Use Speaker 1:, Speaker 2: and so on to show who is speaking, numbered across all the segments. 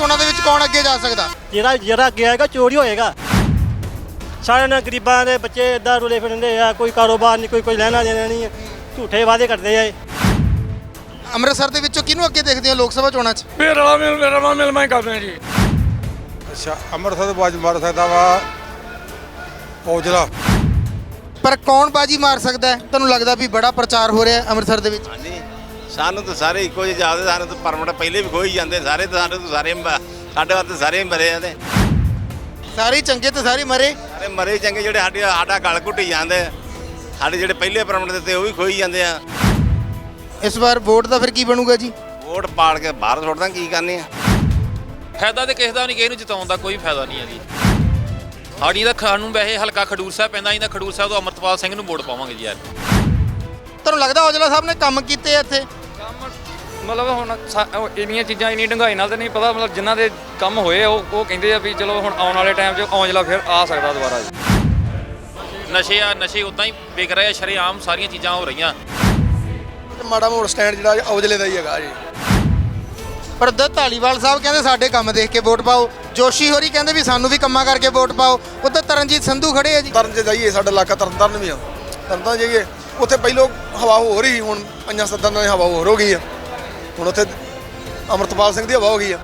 Speaker 1: ਚੋਣਾਂ ਦੇ ਵਿੱਚ ਕੌਣ ਅੱਗੇ ਜਾ ਸਕਦਾ?
Speaker 2: ਜਿਹੜਾ ਅੱਗੇ ਆਏਗਾ ਚੋਰੀ ਹੋਏਗਾ। ਸਾਰੇ ਨਾ ਗਰੀਬਾਂ ਦੇ ਬੱਚੇ ਇੱਦਾਂ ਰੁਲੇ ਫਿਰਦੇ ਆ, ਕੋਈ ਕਾਰੋਬਾਰ ਨਹੀਂ, ਕੋਈ ਲੈਣਾ ਦੇਣਾ ਨਹੀਂ, ਝੂਠੇ ਵਾਅਦੇ ਕਰਦੇ ਆ।
Speaker 1: ਅੰਮ੍ਰਿਤਸਰ ਦੇ ਵਿੱਚੋਂ ਕਿਹਨੂੰ ਅੱਗੇ ਦੇਖਦੇ ਹੋ ਲੋਕ ਸਭਾ ਚੋਣਾਂ 'ਚ?
Speaker 3: ਮੇਰਾ ਮਿਲ ਮੈਂ ਕਰਦੇ ਜੀ।
Speaker 4: ਅੱਛਾ, ਅੰਮ੍ਰਿਤਸਰ ਤੋਂ ਬਾਜ ਮਾਰ ਸਕਦਾ ਵਾ ਔਜਲਾ।
Speaker 1: ਪਰ ਕੌਣ ਬਾਜੀ ਮਾਰ ਸਕਦਾ ਹੈ? ਤੁਹਾਨੂੰ ਲੱਗਦਾ ਵੀ ਬੜਾ ਪ੍ਰਚਾਰ ਹੋ ਰਿਹਾ ਹੈ ਅੰਮ੍ਰਿਤਸਰ ਦੇ ਵਿੱਚ?
Speaker 5: ਹਾਂਜੀ, ਸਾਨੂੰ ਤਾਂ ਸਾਰੇ ਇੱਕੋ ਜਿਹੇ ਜਾਪਦੇ। ਸਾਨੂੰ ਤਾਂ ਪਰਮਿਟ ਪਹਿਲੇ ਵੀ ਖੋਈ ਜਾਂਦੇ ਸਾਰੇ, ਤਾਂ ਸਾਡੇ ਸਾਡੇ ਵਾਸਤੇ ਸਾਰੇ ਹੀ ਮਰੇ ਆ। ਤੇ
Speaker 1: ਸਾਰੇ ਹੀ ਚੰਗੇ ਤੇ ਸਾਰੇ ਮਰੇ।
Speaker 5: ਸਾਰੇ ਮਰੇ ਚੰਗੇ, ਜਿਹੜੇ ਸਾਡਾ ਗਲ ਘੁੱਟੀ ਜਾਂਦੇ, ਸਾਡੇ ਜਿਹੜੇ ਪਹਿਲੇ ਪਰਮਿਟ ਦਿੱਤੇ ਉਹ ਵੀ ਖੋਈ ਜਾਂਦੇ ਆ।
Speaker 1: ਇਸ ਵਾਰ ਵੋਟ ਦਾ ਫਿਰ ਕੀ ਬਣੂਗਾ ਜੀ?
Speaker 5: ਵੋਟ ਪਾੜ ਕੇ ਬਾਹਰ ਸੁੱਟਦਾ, ਕੀ ਕਰਨੀ ਆ?
Speaker 6: ਫਾਇਦਾ ਤੇ ਕਿਸੇ ਦਾ ਨਹੀਂ, ਕਿਸੇ ਨੂੰ ਜਿਤਾਉਣ ਦਾ ਕੋਈ ਫਾਇਦਾ ਨਹੀਂ ਹੈ ਜੀ। ਸਾਡੀ ਤਾਂ ਸਾਨੂੰ ਵੈਸੇ ਹਲਕਾ ਖਡੂਰ ਸਾਹਿਬ ਪੈਂਦਾ, ਅਸੀਂ ਤਾਂ ਖਡੂਰ ਸਾਹਿਬ ਤੋਂ ਅਮਰਤਪਾਲ ਸਿੰਘ ਨੂੰ ਵੋਟ ਪਾਵਾਂਗੇ ਜੀ ਯਾਰ।
Speaker 1: ਤੁਹਾਨੂੰ ਲੱਗਦਾ ਔਜਲਾ ਸਾਹਿਬ ਨੇ ਕੰਮ ਕੀਤੇ ਆ ਇੱਥੇ?
Speaker 7: ਮਤਲਬ ਹੁਣ ਇੰਨੀਆਂ ਚੀਜ਼ਾਂ ਇੰਨੀ ਡੂੰਘਾਈ ਨਾਲ ਤਾਂ ਨਹੀਂ ਪਤਾ, ਮਤਲਬ ਜਿਨ੍ਹਾਂ ਦੇ ਕੰਮ ਹੋਏ ਉਹ ਕਹਿੰਦੇ ਆ ਵੀ ਚਲੋ ਹੁਣ ਆਉਣ ਵਾਲੇ ਟਾਈਮ 'ਚ ਔਜਲਾ ਫਿਰ ਆ ਸਕਦਾ ਦੁਬਾਰਾ ਜੀ।
Speaker 6: ਨਸ਼ੇ ਉਦਾਂ ਹੀ ਵਿਕ ਰਹੇ ਆ, ਸ਼ਰੇਆਮ ਸਾਰੀਆਂ ਚੀਜ਼ਾਂ ਹੋ ਰਹੀਆਂ।
Speaker 4: ਮਾੜਾ ਮੋੜ ਸਟੈਂਡ ਜਿਹੜਾ ਔਜਲੇ ਦਾ ਹੀ ਹੈਗਾ ਜੀ।
Speaker 1: ਪਰ ਉਧਰ ਧਾਲੀਵਾਲ ਸਾਹਿਬ ਕਹਿੰਦੇ ਸਾਡੇ ਕੰਮ ਦੇਖ ਕੇ ਵੋਟ ਪਾਓ, ਜੋਸ਼ੀ ਹੋਰੀ ਕਹਿੰਦੇ ਵੀ ਸਾਨੂੰ ਵੀ ਕੰਮਾਂ ਕਰਕੇ ਵੋਟ ਪਾਓ, ਉੱਧਰ ਤਰਨਜੀਤ ਸੰਧੂ ਖੜੇ ਆ ਜੀ।
Speaker 4: ਤਰਨ 'ਚ ਜਾਈਏ, ਸਾਡਾ ਇਲਾਕਾ ਤਰਨਤਾਰਨ ਵੀ ਆ। ਤਰਨਤਾਰਨ ਜਾਈਏ, ਉੱਥੇ ਪਹਿਲੋਂ ਹਵਾ ਹੋ ਰਹੀ, ਹੁਣ 5-7 ਦਿਨਾਂ ਦੀ ਹਵਾ ਹੋਰ ਹੋ ਗਈ ਆ। ਹੁਣ ਉੱਥੇ ਅਮਰਤਪਾਲ ਸਿੰਘ ਦੀ ਹਵਾ ਹੋ ਗਈ ਆ।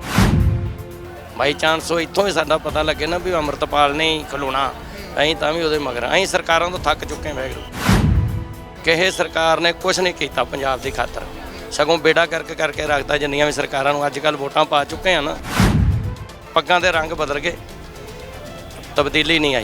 Speaker 8: ਬਾਈ ਚਾਂਸ ਉਹ ਇੱਥੋਂ ਹੀ ਸਾਡਾ ਪਤਾ ਲੱਗੇ ਨਾ ਵੀ ਅਮਰਤਪਾਲ ਨੇ ਹੀ ਖਲੋਣਾ, ਅਸੀਂ ਤਾਂ ਵੀ ਉਹਦੇ ਮਗਰ। ਅਸੀਂ ਸਰਕਾਰਾਂ ਤੋਂ ਥੱਕ ਚੁੱਕੇ ਵੈਗਰੂ, ਕਿਸੇ ਸਰਕਾਰ ਨੇ ਕੁਛ ਨਹੀਂ ਕੀਤਾ ਪੰਜਾਬ ਦੀ ਖਾਤਰ, ਸਗੋਂ ਬੇੜਾ ਕਰਕੇ ਰੱਖਦਾ। ਜਿੰਨੀਆਂ ਵੀ ਸਰਕਾਰਾਂ ਨੂੰ ਅੱਜ ਕੱਲ੍ਹ ਵੋਟਾਂ ਪਾ ਚੁੱਕੇ ਆ ਨਾ, ਪੱਗਾਂ ਦੇ ਰੰਗ ਬਦਲ ਗਏ, ਤਬਦੀਲੀ ਨਹੀਂ ਆਈ।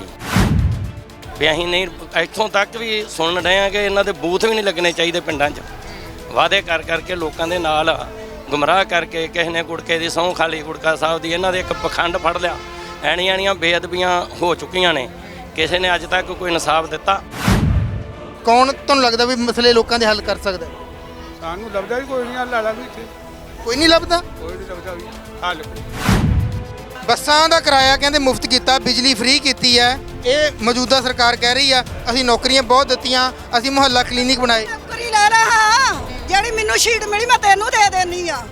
Speaker 8: ਵੀ ਅਸੀਂ ਨਹੀਂ, ਇੱਥੋਂ ਤੱਕ ਵੀ ਸੁਣਨ ਰਹੇ ਹਾਂ ਕਿ ਇਹਨਾਂ ਦੇ ਬੂਥ ਵੀ ਨਹੀਂ ਲੱਗਣੇ ਚਾਹੀਦੇ ਪਿੰਡਾਂ 'ਚ। ਵਾਅਦੇ ਕਰਕੇ ਲੋਕਾਂ ਦੇ ਨਾਲ ਗੁੰਮਰਾਹ ਕਰਕੇ, ਕਿਸੇ ਨੇ ਗੁੜਕੇ ਦੀ ਸਹੁੰ ਖਾ ਲਈ, ਗੁੜਕਾ ਸਾਹਿਬ ਦੀ, ਇਹਨਾਂ ਦੇ ਇੱਕ ਪਖੰਡ ਫੜ ਲਿਆ। ਐਣੀਆਂ ਬੇਅਦਬੀਆਂ ਹੋ ਚੁੱਕੀਆਂ ਨੇ, ਕਿਸੇ ਨੇ ਅੱਜ ਤੱਕ ਕੋਈ ਇਨਸਾਫ ਦਿੱਤਾ?
Speaker 1: ਕੌਣ ਤੁਹਾਨੂੰ ਲੱਗਦਾ ਵੀ ਮਸਲੇ ਲੋਕਾਂ ਦੇ ਹੱਲ ਕਰ ਸਕਦਾ?
Speaker 4: ਸਾਨੂੰ ਲੱਭਦਾ ਵੀ ਕੋਈ ਨਹੀਂ, ਹੱਲ ਵਾਲਾ ਵੀ ਇੱਥੇ
Speaker 1: ਕੋਈ ਨਹੀਂ ਲੱਭਦਾ।
Speaker 4: ਕੋਈ ਨਹੀਂ ਲੱਭਦਾ ਵੀ ਹੱਲ।
Speaker 1: ਬੱਸਾਂ ਦਾ ਕਿਰਾਇਆ ਕਹਿੰਦੇ ਮੁਫਤ ਕੀਤਾ, ਬਿਜਲੀ ਫ੍ਰੀ ਕੀਤੀ ਹੈ। ਇਹ ਮੌਜੂਦਾ ਸਰਕਾਰ ਕਹਿ ਰਹੀ ਆ ਅਸੀਂ ਨੌਕਰੀਆਂ ਬਹੁਤ ਦਿੱਤੀਆਂ, ਅਸੀਂ ਮੁਹੱਲਾ ਕਲੀਨਿਕ ਬਣਾਏ।
Speaker 9: ਨੌਕਰੀ ਲੈ ਲੈ, ਹਾਂ ਜਿਹੜੀ ਮੈਨੂੰ ਸ਼ੀਟ ਮਿਲੀ ਮੈਂ ਤੈਨੂੰ ਦੇ ਦੇਣੀ ਆ।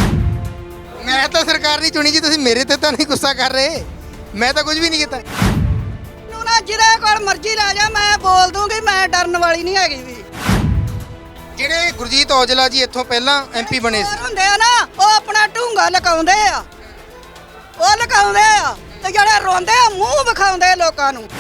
Speaker 1: ਮੈਂ ਤਾਂ ਸਰਕਾਰ ਨਹੀਂ ਚੁਣੀ ਜੀ, ਤੁਸੀਂ ਮੇਰੇ ਤੇ ਤਾਂ ਨਹੀਂ ਗੁੱਸਾ ਕਰ ਰਹੇ? ਮੈਂ ਤਾਂ ਕੁਝ ਵੀ ਨਹੀਂ ਕੀਤਾ।
Speaker 9: ਨੂੰ ਨਾ ਜਿਹਦੇ ਕੋਲ ਮਰਜ਼ੀ ਲੈ ਜਾ, ਮੈਂ ਬੋਲ ਦੂੰਗੀ, ਮੈਂ ਡਰਨ ਵਾਲੀ ਨਹੀਂ ਹੈਗੀ ਵੀ।
Speaker 1: ਜਿਹੜੇ ਗੁਰਜੀਤ ਔਜਲਾ ਜੀ ਇੱਥੋਂ ਪਹਿਲਾਂ ਐਮਪੀ ਬਣੇ ਸੀ,
Speaker 9: ਹੁੰਦੇ ਆ ਨਾ, ਉਹ ਆਪਣਾ ਢੂੰਗਾ ਲਕਾਉਂਦੇ ਆ, ਉਹ ਲਕਾਉਂਦੇ ਆ, ਤੇ ਜਿਹੜੇ ਰੋਂਦੇ ਆ ਮੂੰਹ ਵਿਖਾਉਂਦੇ ਲੋਕਾਂ ਨੂੰ।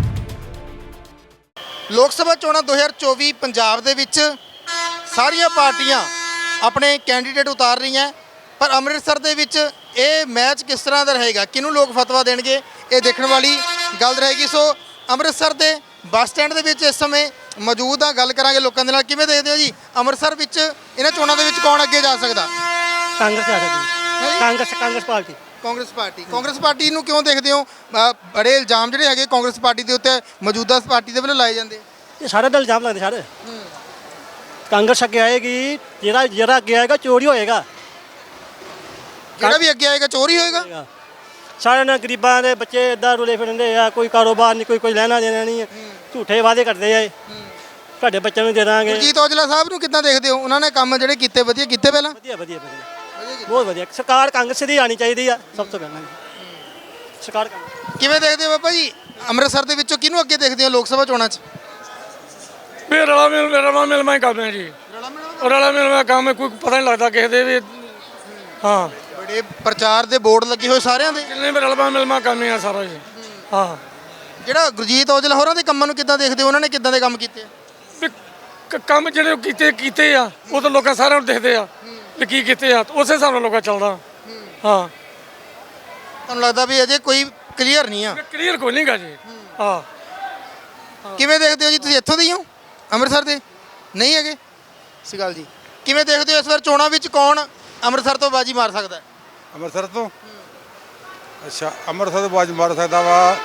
Speaker 1: ਲੋਕ ਸਭਾ ਚੋਣਾਂ 2024 ਪੰਜਾਬ ਦੇ ਵਿੱਚ ਸਾਰੀਆਂ ਪਾਰਟੀਆਂ ਆਪਣੇ ਕੈਂਡੀਡੇਟ ਉਤਾਰ ਰਹੀਆਂ, ਪਰ ਅੰਮ੍ਰਿਤਸਰ ਦੇ ਵਿੱਚ ਇਹ ਮੈਚ ਕਿਸ ਤਰ੍ਹਾਂ ਦਾ ਰਹੇਗਾ, ਕਿਹਨੂੰ ਲੋਕ ਫਤਵਾ ਦੇਣਗੇ, ਇਹ ਦੇਖਣ ਵਾਲੀ ਗੱਲ ਰਹੇਗੀ। ਸੋ ਅੰਮ੍ਰਿਤਸਰ ਦੇ ਬੱਸ ਸਟੈਂਡ ਦੇ ਵਿੱਚ ਇਸ ਸਮੇਂ ਮੌਜੂਦ ਆ, ਗੱਲ ਕਰਾਂਗੇ ਲੋਕਾਂ ਦੇ ਨਾਲ। ਕਿਵੇਂ ਦੇਖਦੇ ਹੋ ਜੀ ਅੰਮ੍ਰਿਤਸਰ ਵਿੱਚ ਇਹਨਾਂ ਚੋਣਾਂ ਦੇ ਵਿੱਚ ਕੌਣ ਅੱਗੇ ਜਾ ਸਕਦਾ?
Speaker 2: ਕਾਂਗਰਸ ਆ ਸਕਦੀ, ਕਾਂਗਰਸ ਪਾਰਟੀ।
Speaker 1: ਕਾਂਗਰਸ ਪਾਰਟੀ ਨੂੰ ਕਿਉਂ ਦੇਖਦੇ ਹੋ? ਬੜੇ ਇਲਜ਼ਾਮ ਜਿਹੜੇ ਹੈਗੇ ਕਾਂਗਰਸ ਪਾਰਟੀ ਦੇ ਉੱਤੇ ਮੌਜੂਦਾ ਪਾਰਟੀ ਦੇ ਵੱਲੋਂ ਲਾਏ ਜਾਂਦੇ।
Speaker 2: ਇਹ ਸਾਰੇ ਦਾ ਇਲਜ਼ਾਮ ਲੱਗਦੇ ਸਾਰੇ। ਕਾਂਗਰਸ ਅੱਗੇ ਆਏਗੀ, ਜਿਹੜਾ ਅੱਗੇ ਆਏਗਾ ਚੋਰੀ ਹੋਏਗਾ।
Speaker 1: ਜਿਹੜਾ ਵੀ ਅੱਗੇ ਆਏਗਾ ਚੋਰੀ ਹੋਏਗਾ।
Speaker 2: ਸਾਰੇ ਨਾ ਗਰੀਬਾਂ ਦੇ ਬੱਚੇ ਇੱਦਾਂ ਰੁਲੇ ਫਿਰਦੇ ਆ, ਕੋਈ ਕਾਰੋਬਾਰ ਨਹੀਂ, ਕੋਈ ਲੈਣਾ ਦੇਣਾ ਨਹੀਂ, ਝੂਠੇ ਵਾਅਦੇ ਕਰਦੇ ਆ। ਤੁਹਾਡੇ ਬੱਚਿਆਂ ਨੂੰ ਦੇ ਦਾਂਗੇ।
Speaker 1: ਗੁਰਜੀਤ ਔਜਲਾ ਸਾਹਿਬ ਨੂੰ ਕਿੱਦਾਂ ਦੇਖਦੇ ਹੋ? ਉਹਨਾਂ ਨੇ ਕੰਮ ਜਿਹੜੇ ਕੀਤੇ ਵਧੀਆ ਕੀਤੇ ਪਹਿਲਾਂ?
Speaker 2: ਵਧੀਆ ਬਹੁਤ ਵਧੀਆ। ਸਰਕਾਰ ਕਾਂਗਰਸ ਦੀ ਆਣੀ ਚਾਹੀਦੀ ਆ ਸਭ ਤੋਂ ਪਹਿਲਾਂ। ਸਰਕਾਰ
Speaker 1: ਕਿਵੇਂ ਦੇਖਦੇ ਹੋ ਬਾਬਾ ਜੀ ਅੰਮ੍ਰਿਤਸਰ ਦੇ ਵਿੱਚੋਂ ਕਿਹਨੂੰ ਅੱਗੇ ਦੇਖਦੇ ਹੋ ਲੋਕ ਸਭਾ ਚੋਣਾਂ 'ਚ?
Speaker 3: ਮੇਰਾ ਮਿਲ ਮੈਂ ਕਰਦੇ ਜੀ। ਰਲਾ ਮਿਲ ਮੈਂ ਕੰਮ, ਕੋਈ ਪਤਾ ਨਹੀਂ ਲੱਗਦਾ ਕਿਸੇ ਦੇ ਵੀ। ਹਾਂ,
Speaker 1: ਬੜੇ ਪ੍ਰਚਾਰ ਦੇ ਬੋਰਡ ਲੱਗੇ ਹੋਏ ਸਾਰਿਆਂ ਦੇ।
Speaker 3: ਜਿੰਨੇ ਵੀ ਰਲਵਾ ਮਿਲ ਮੈਂ ਕੰਮ ਆ ਸਾਰਾ ਜੀ। ਹਾਂ,
Speaker 1: ਜਿਹੜਾ ਗੁਰਜੀਤ ਔਜਲਾ ਹੋਰਾਂ ਦੇ ਕੰਮਾਂ ਨੂੰ ਕਿੱਦਾਂ ਦੇਖਦੇ ਹੋ? ਉਹਨਾਂ ਨੇ ਕਿੱਦਾਂ ਦੇ ਕੰਮ ਕੀਤੇ?
Speaker 3: ਵੀ ਕੰਮ ਜਿਹੜੇ ਕੀਤੇ ਆ ਉਹ ਤਾਂ ਲੋਕਾਂ ਸਾਰਿਆਂ ਨੂੰ ਦੇਖਦੇ ਆ ਵੀ ਕੀ ਕੀਤੇ ਆ, ਉਸੇ ਹਿਸਾਬ ਨਾਲ ਲੋਕਾਂ ਚੱਲਦਾ। ਹਾਂ,
Speaker 1: ਤੁਹਾਨੂੰ ਲੱਗਦਾ ਵੀ ਅਜੇ ਕੋਈ ਕਲੀਅਰ ਨਹੀਂ ਆ?
Speaker 3: ਕਲੀਅਰ ਕੋਈ ਨਹੀਂਗਾ ਜੀ। ਹਾਂ,
Speaker 1: ਕਿਵੇਂ ਦੇਖਦੇ ਹੋ ਜੀ? ਤੁਸੀਂ ਇੱਥੋਂ ਦੇ ਹੀ ਹੋ ਅੰਮ੍ਰਿਤਸਰ ਦੇ? ਨਹੀਂ ਹੈਗੇ? ਸਤਿ ਸ਼੍ਰੀ ਅਕਾਲ ਜੀ। ਕਿਵੇਂ ਦੇਖਦੇ ਹੋ ਇਸ ਵਾਰ ਚੋਣਾਂ ਵਿੱਚ ਕੌਣ ਅੰਮ੍ਰਿਤਸਰ ਤੋਂ ਬਾਜੀ ਮਾਰ ਸਕਦਾ?
Speaker 4: ਅੰਮ੍ਰਿਤਸਰ ਤੋਂ ਅੱਛਾ, ਅੰਮ੍ਰਿਤਸਰ ਤੋਂ ਬਾਜ ਮਾਰ ਸਕਦਾ ਵਾ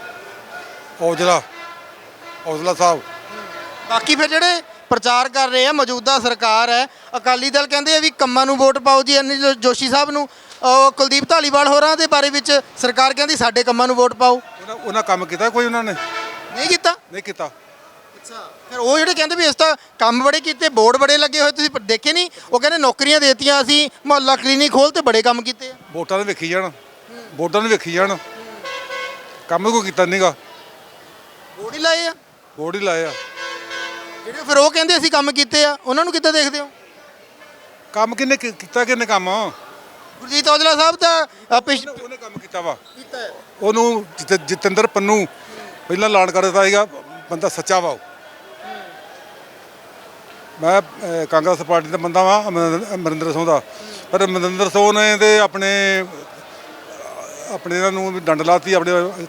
Speaker 4: ਔਜਲਾ ਸਾਹਿਬ।
Speaker 1: ਬਾਕੀ ਫਿਰ ਜਿਹੜੇ ਪ੍ਰਚਾਰ ਕਰ ਰਹੇ ਆ ਮੌਜੂਦਾ ਸਰਕਾਰ ਹੈ, ਅਕਾਲੀ ਦਲ ਕਹਿੰਦੇ ਆ ਵੀ ਕੰਮਾਂ ਨੂੰ ਵੋਟ ਪਾਓ ਜੀ, ਅਨਿਲ ਜੋਸ਼ੀ ਸਾਹਿਬ ਨੂੰ। ਕੁਲਦੀਪ ਧਾਲੀਵਾਲ ਹੋਰਾਂ ਦੇ ਬਾਰੇ ਵਿੱਚ ਸਰਕਾਰ ਕਹਿੰਦੀ ਸਾਡੇ ਕੰਮਾਂ ਨੂੰ ਵੋਟ ਪਾਓ।
Speaker 4: ਉਹਨਾਂ ਕੰਮ ਕੀਤਾ ਕੋਈ? ਉਹਨਾਂ ਨੇ
Speaker 1: ਨਹੀਂ ਕੀਤਾ।
Speaker 4: ਨਹੀਂ ਕੀਤਾ।
Speaker 1: ਅੱਛਾ, ਫਿਰ ਉਹ ਜਿਹੜੇ ਕਹਿੰਦੇ ਵੀ ਇਸ ਤਾਂ ਕੰਮ ਬੜੇ ਕੀਤੇ, ਬੋਰਡ ਬੜੇ ਲੱਗੇ ਹੋਏ, ਤੁਸੀਂ ਦੇਖੇ ਨਹੀਂ? ਉਹ ਕਹਿੰਦੇ ਨੌਕਰੀਆਂ ਦੇਤੀਆਂ, ਅਸੀਂ ਮੁਹੱਲਾ ਕਲੀਨਿਕ ਖੋਲ੍ਹ ਤੇ ਬੜੇ ਕੰਮ ਕੀਤੇ ਆ।
Speaker 10: ਵੋਟਾਂ ਦੇ ਵੇਖੀ ਜਾਣ, ਵੋਟਾਂ ਨੂੰ ਵੇਖੀ ਜਾਣ, ਕੰਮ ਕੋਈ ਕੀਤਾ ਨਹੀਂਗਾ।
Speaker 1: ਬੋਰਡ ਹੀ ਲਾਏ ਆ,
Speaker 10: ਵੋਟ ਹੀ ਲਾਏ ਆ।
Speaker 1: ਜਿਹੜੇ ਫਿਰ ਉਹ ਕਹਿੰਦੇ ਅਸੀਂ ਕੰਮ ਕੀਤੇ ਆ, ਉਹਨਾਂ ਨੂੰ ਕਿੱਦਾਂ ਦੇਖਦੇ ਹੋ?
Speaker 10: ਕੰਮ ਕਿੰਨੇ ਕੀਤਾ, ਕਿੰਨੇ ਕੰਮ
Speaker 1: ਗੁਰਜੀਤ ਔਜਲਾ ਸਾਹਿਬ ਤਾਂ
Speaker 10: ਉਹਨੇ ਕੰਮ ਕੀਤਾ ਵਾ। ਉਹਨੂੰ ਜਤਿੰਦਰ ਪੰਨੂ ਪਹਿਲਾਂ ਐਲਾਨ ਕਰ ਦਿੱਤਾ ਸੀਗਾ, ਬੰਦਾ ਸੱਚਾ ਵਾ ਉਹ। ਮੈਂ ਕਾਂਗਰਸ ਪਾਰਟੀ ਦਾ ਬੰਦਾ ਵਾਂ, ਅਮਰਿੰਦਰ ਸਿੰਘ ਦਾ, ਪਰ ਅਮਰਿੰਦਰ ਸਿੰਘ ਨੇ ਤੇ ਆਪਣੇ ਇਹਨਾਂ ਨੂੰ ਵੀ ਡੰਡ ਲਾਤੀ। ਆਪਣੇ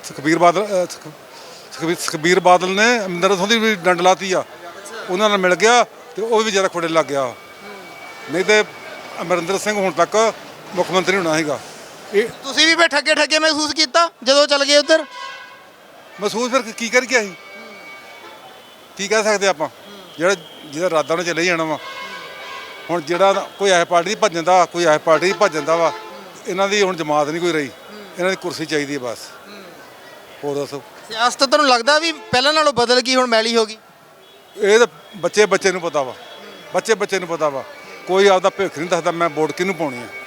Speaker 10: ਸੁਖਬੀਰ ਬਾਦਲ ਨੇ ਅਮਰਿੰਦਰ ਸਿੰਘ ਦੀ ਵੀ ਡੰਡ ਲਾਤੀ ਆ। ਉਹਨਾਂ ਨਾਲ ਮਿਲ ਗਿਆ ਤੇ ਉਹ ਵੀ ਜ਼ਿਆਦਾ ਖੋੜੇ ਲੱਗ ਗਿਆ। ਨਹੀਂ ਤੇ ਅਮਰਿੰਦਰ ਸਿੰਘ ਹੁਣ ਤੱਕ ਮੁੱਖ ਮੰਤਰੀ ਹੋਣਾ ਸੀਗਾ। ਇਹ
Speaker 1: ਤੁਸੀਂ ਵੀ ਫਿਰ ਠੱਗੇ ਮਹਿਸੂਸ ਕੀਤਾ ਜਦੋਂ ਚੱਲ ਗਏ ਉੱਧਰ?
Speaker 10: ਮਹਿਸੂਸ ਫਿਰ ਕੀ ਕਰ ਗਿਆ ਸੀ, ਕੀ ਕਹਿ ਸਕਦੇ ਆਪਾਂ? ਜਿਹਦਾ ਇਰਾਦਾ ਉਹਨੇ ਚਲੇ ਜਾਣਾ ਵਾ। ਹੁਣ ਜਿਹੜਾ ਕੋਈ ਐਸ ਪਾਰਟੀ ਦੀ ਭੱਜਣ ਦਾ, ਕੋਈ ਐਸ ਪਾਰਟੀ ਦੀ ਭੱਜਣ ਦਾ ਵਾ, ਇਹਨਾਂ ਦੀ ਹੁਣ ਜਮਾਤ ਨਹੀਂ ਕੋਈ ਰਹੀ। ਇਹਨਾਂ ਦੀ ਕੁਰਸੀ ਚਾਹੀਦੀ ਹੈ ਬਸ। ਹੋਰ ਦੱਸੋ,
Speaker 1: ਸਿਆਸਤ ਤੁਹਾਨੂੰ ਲੱਗਦਾ ਵੀ ਪਹਿਲਾਂ ਨਾਲੋਂ ਬਦਲ ਗਈ, ਹੁਣ ਮੈਲੀ ਹੋ ਗਈ?
Speaker 10: ਇਹ ਤਾਂ ਬੱਚੇ ਨੂੰ ਪਤਾ ਵਾ, ਬੱਚੇ ਨੂੰ ਪਤਾ ਵਾ। ਕੋਈ ਆਪਦਾ ਭਵਿੱਖ ਨਹੀਂ ਦੱਸਦਾ ਮੈਂ ਵੋਟ ਕਿਹਨੂੰ ਪਾਉਣੀ ਆ।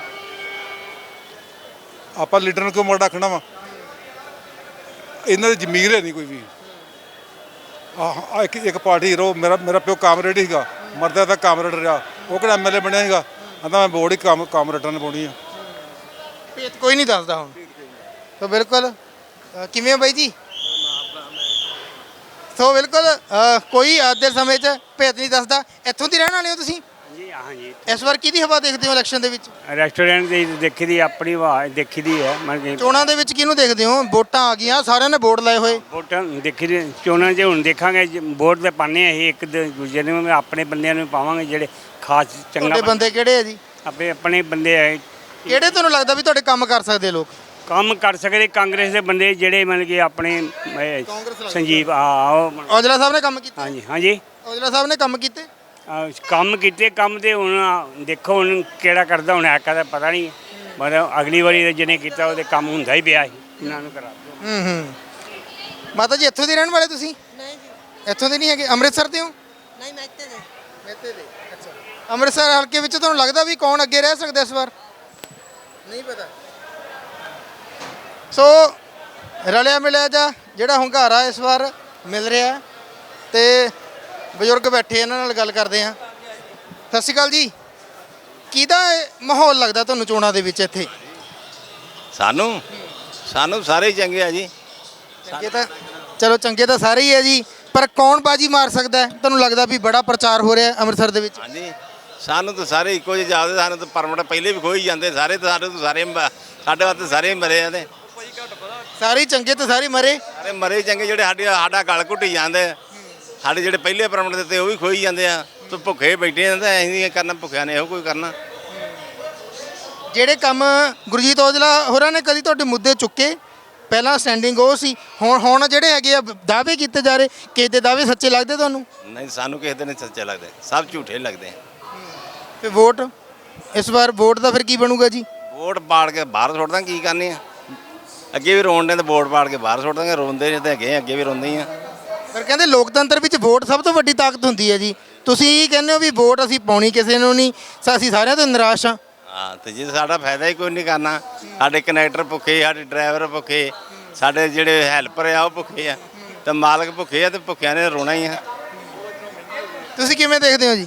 Speaker 10: ਆਪਾਂ ਲੀਡਰ ਨੂੰ ਕਿਉਂ ਮੋੜ ਰੱਖਣਾ ਵਾ? ਇਹਨਾਂ ਦੀ ਜ਼ਮੀਰ ਹੈ ਨਹੀਂ ਕੋਈ ਵੀ। ਇੱਕ ਪਾਰਟੀ ਹੀਰੋ, ਮੇਰਾ ਪਿਓ ਕਾਮਰੇਡ ਸੀਗਾ, ਮਰਦਾ ਤਾਂ ਕਾਮਰੇਡ ਰਿਹਾ। ਉਹ ਕਿਹੜਾ ਐਮਐਲਏ ਬਣਿਆ ਸੀਗਾ? ਕਹਿੰਦਾ ਮੈਂ ਵੋਟ ਹੀ ਕਾਮਰੇਡਾਂ ਨੂੰ ਪਾਉਣੀ ਆ।
Speaker 1: ਭੇਤ ਕੋਈ ਨਹੀਂ ਦੱਸਦਾ ਹੁਣ ਤਾਂ। ਬਿਲਕੁਲ ਕਿਵੇਂ ਹੋ ਬਾਈ ਜੀ? ਸੋ ਬਿਲਕੁਲ ਕੋਈ ਅੱਜ ਦੇ ਸਮੇਂ 'ਚ ਭੇਤ ਨਹੀਂ ਦੱਸਦਾ। ਇੱਥੋਂ ਦੀ ਰਹਿਣ ਵਾਲੇ ਹੋ ਤੁਸੀਂ?
Speaker 2: ਜੀ ਹਾਂ ਜੀ।
Speaker 1: ਇਸ ਵਾਰ ਕਿਹਦੀ ਹਵਾ ਦੇਖਦੇ ਹੋ ਇਲੈਕਸ਼ਨ ਦੇ ਵਿੱਚ?
Speaker 2: ਰੈਸਟੋਰੈਂਟ ਦੀ ਦੇਖੀ ਦੀ, ਆਪਣੀ ਆਵਾਜ਼ ਦੇਖੀ ਦੀ ਹੈ। ਮਤਲਬ
Speaker 1: ਚੋਣਾਂ ਦੇ ਵਿੱਚ ਕਿਹਨੂੰ ਦੇਖਦੇ ਹੋ? ਵੋਟਾਂ ਆ ਗਈਆਂ, ਸਾਰਿਆਂ ਨੇ ਵੋਟ ਲਾਏ ਹੋਏ।
Speaker 2: ਵੋਟਾਂ ਦੇਖੀ ਦੀ, ਚੋਣਾਂ 'ਚ ਹੁਣ ਦੇਖਾਂਗੇ। ਵੋਟ ਤੇ ਪਾਉਂਦੇ ਅਸੀਂ ਇੱਕ ਦੂਜੇ ਨੂੰ, ਆਪਣੇ ਬੰਦਿਆਂ ਨੂੰ ਪਾਵਾਂਗੇ ਜਿਹੜੇ ਖਾਸ ਚੰਗਾ।
Speaker 1: ਤੁਹਾਡੇ ਬੰਦੇ ਕਿਹੜੇ ਆ ਜੀ?
Speaker 2: ਆਪਣੇ ਬੰਦੇ ਹੈ।
Speaker 1: ਕਿਹੜੇ ਤੁਹਾਨੂੰ ਲੱਗਦਾ ਵੀ ਤੁਹਾਡੇ ਕੰਮ ਕਰ ਸਕਦੇ ਲੋਕ?
Speaker 2: ਕੰਮ ਕਰ ਸਕਦੇ ਕਾਂਗਰਸ ਦੇ ਬੰਦੇ ਜਿਹੜੇ ਮਤਲਬ ਕਿ ਆਪਣੇ ਸੰਜੀਵ
Speaker 1: ਔਜਲਾ ਸਾਹਿਬ ਨੇ ਕੰਮ ਕੀਤੇ?
Speaker 2: ਹਾਂਜੀ
Speaker 1: ਔਜਲਾ ਸਾਹਿਬ ਨੇ ਕੰਮ ਕੀਤੇ?
Speaker 2: ਕੰਮ ਕੀਤੇ। ਕੰਮ ਤੇ ਹੁਣ ਦੇਖੋ ਹੁਣ ਕਿਹੜਾ ਕਰਦਾ, ਹੁਣ ਐਕਾ ਦਾ ਪਤਾ ਨਹੀਂ। ਮਤਲਬ ਅਗਲੀ ਵਾਰੀ ਜਿਹਨੇ ਕੀਤਾ ਉਹਦੇ ਕੰਮ ਹੁੰਦਾ ਹੀ ਪਿਆ ਸੀ, ਇਹਨਾਂ ਨੂੰ ਕਰਾ ਦਿਓ।
Speaker 1: ਮਾਤਾ ਜੀ ਇੱਥੋਂ ਦੇ ਰਹਿਣ ਵਾਲੇ ਤੁਸੀਂ?
Speaker 9: ਨਹੀਂ ਜੀ।
Speaker 1: ਇੱਥੋਂ ਦੇ ਨਹੀਂ ਹੈਗੇ? ਅੰਮ੍ਰਿਤਸਰ ਦੇ ਹੋ?
Speaker 9: ਨਹੀਂ, ਮੈਂ ਇੱਥੇ ਦੇ।
Speaker 1: ਮੇਤੇ ਦੇ। ਅੱਛਾ, ਅੰਮ੍ਰਿਤਸਰ ਹਲਕੇ ਵਿੱਚ ਤੁਹਾਨੂੰ ਲੱਗਦਾ ਵੀ ਕੌਣ ਅੱਗੇ ਰਹਿ ਸਕਦਾ ਇਸ ਵਾਰ? ਨਹੀਂ ਪਤਾ। ਸੋ ਰਲਿਆ ਮਿਲਿਆ ਜਿਹੜਾ ਹੁੰਗਾਰਾ ਇਸ ਵਾਰ ਮਿਲ ਰਿਹਾ ਤੇ ਬਜ਼ੁਰਗ ਬੈਠੇ, ਇਹਨਾਂ ਨਾਲ ਗੱਲ ਕਰਦੇ ਹਾਂ। ਸਤਿ ਸ਼੍ਰੀ ਅਕਾਲ ਜੀ। ਕਿਹਦਾ ਮਾਹੌਲ ਲੱਗਦਾ ਤੁਹਾਨੂੰ ਚੋਣਾਂ ਦੇ ਵਿੱਚ ਇੱਥੇ?
Speaker 5: ਸਾਨੂੰ ਸਾਰੇ ਹੀ ਚੰਗੇ ਆ ਜੀ।
Speaker 1: ਚੰਗੇ ਤਾਂ ਚਲੋ, ਚੰਗੇ ਤਾਂ ਸਾਰੇ ਹੀ ਹੈ ਜੀ, ਪਰ ਕੌਣ ਬਾਜੀ ਮਾਰ ਸਕਦਾ ਹੈ ਤੁਹਾਨੂੰ ਲੱਗਦਾ? ਵੀ ਬੜਾ ਪ੍ਰਚਾਰ ਹੋ ਰਿਹਾ ਅੰਮ੍ਰਿਤਸਰ ਦੇ ਵਿੱਚ।
Speaker 5: ਹਾਂਜੀ, ਸਾਨੂੰ ਤਾਂ ਸਾਰੇ ਇੱਕੋ ਜਿਹੇ ਜਾਪਦੇ। ਸਾਨੂੰ ਤਾਂ ਪਰਮਿਟ ਪਹਿਲੇ ਵੀ ਖੋਈ ਜਾਂਦੇ ਸਾਰੇ। ਤਾਂ ਸਾਡੇ ਵਾਸਤੇ ਸਾਰੇ ਮਰੇ ਆ। ਤੇ
Speaker 1: ਸਾਰੇ ਚੰਗੇ ਤੇ ਸਾਰੇ ਮਰੇ?
Speaker 5: ਸਾਰੇ ਮਰੇ ਚੰਗੇ। ਜਿਹੜੇ ਸਾਡਾ ਗਲ ਘੁੱਟੀ ਜਾਂਦੇ, ਸਾਡੇ ਜਿਹੜੇ ਪਹਿਲੇ ਪਰਮਿਟ ਦਿੱਤੇ ਉਹ ਵੀ ਖੋਈ ਜਾਂਦੇ ਆ। ਤੂੰ ਭੁੱਖੇ ਬੈਠੇ ਆ ਤਾਂ ਅਸੀਂ ਕਰਨਾ, ਭੁੱਖਿਆਂ ਨੇ ਇਹੋ ਕੋਈ ਕਰਨਾ।
Speaker 1: ਜਿਹੜੇ ਕੰਮ ਗੁਰਜੀਤ ਔਜਲਾ ਹੋਰਾਂ ਨੇ ਕਦੀ ਤੁਹਾਡੇ ਮੁੱਦੇ ਚੁੱਕੇ? ਪਹਿਲਾਂ ਸਟੈਂਡਿੰਗ ਉਹ ਸੀ, ਹੁਣ ਜਿਹੜੇ ਹੈਗੇ ਆ ਦਾਅਵੇ ਕੀਤੇ ਜਾ ਰਹੇ, ਕਿਸੇ ਦੇ ਦਾਅਵੇ ਸੱਚੇ ਲੱਗਦੇ ਤੁਹਾਨੂੰ?
Speaker 5: ਨਹੀਂ, ਸਾਨੂੰ ਕਿਸੇ ਦੇ ਨਹੀਂ ਸੱਚੇ ਲੱਗਦੇ, ਸਭ ਝੂਠੇ ਲੱਗਦੇ।
Speaker 1: ਤੇ ਵੋਟ ਇਸ ਵਾਰ ਵੋਟ ਦਾ ਫਿਰ ਕੀ ਬਣੂਗਾ ਜੀ?
Speaker 5: ਵੋਟ ਪਾੜ ਕੇ ਬਾਹਰ ਸੁੱਟ ਦਾਂ, ਕੀ ਕਰਨੀ ਆ? ਅੱਗੇ ਵੀ ਰੋਣ ਨੇ ਤੇ ਵੋਟ ਪਾੜ ਕੇ ਬਾਹਰ ਸੁੱਟ ਦਾਂਗੇ। ਰੋਂਦੇ ਨੇ ਤੇ ਹੈਗੇ, ਅੱਗੇ ਵੀ ਰੋਂਦੇ ਹੀ ਆ।
Speaker 1: ਪਰ ਕਹਿੰਦੇ ਲੋਕਤੰਤਰ ਵਿੱਚ ਵੋਟ ਸਭ ਤੋਂ ਵੱਡੀ ਤਾਕਤ ਹੁੰਦੀ ਹੈ ਜੀ। ਤੁਸੀਂ ਕਹਿੰਦੇ ਹੋ ਵੀ ਵੋਟ ਅਸੀਂ ਪਾਉਣੀ ਕਿਸੇ ਨੂੰ ਨਹੀਂ, ਅਸੀਂ ਸਾਰਿਆਂ ਤੋਂ ਨਿਰਾਸ਼ ਹਾਂ।
Speaker 5: ਹਾਂ, ਤੇ ਜੇ ਸਾਡਾ ਫਾਇਦਾ ਹੀ ਕੋਈ ਨਹੀਂ ਕਰਨਾ। ਸਾਡੇ ਕਨੈਕਟਰ ਭੁੱਖੇ, ਸਾਡੇ ਡਰਾਈਵਰ ਭੁੱਖੇ, ਸਾਡੇ ਜਿਹੜੇ ਹੈਲਪਰ ਆ ਉਹ ਭੁੱਖੇ ਆ, ਤੇ ਮਾਲਕ ਭੁੱਖੇ ਆ, ਤੇ ਭੁੱਖਿਆਂ ਨੇ ਰੋਣਾ ਹੀ ਆ।
Speaker 1: ਤੁਸੀਂ ਕਿਵੇਂ ਦੇਖਦੇ ਹੋ ਜੀ?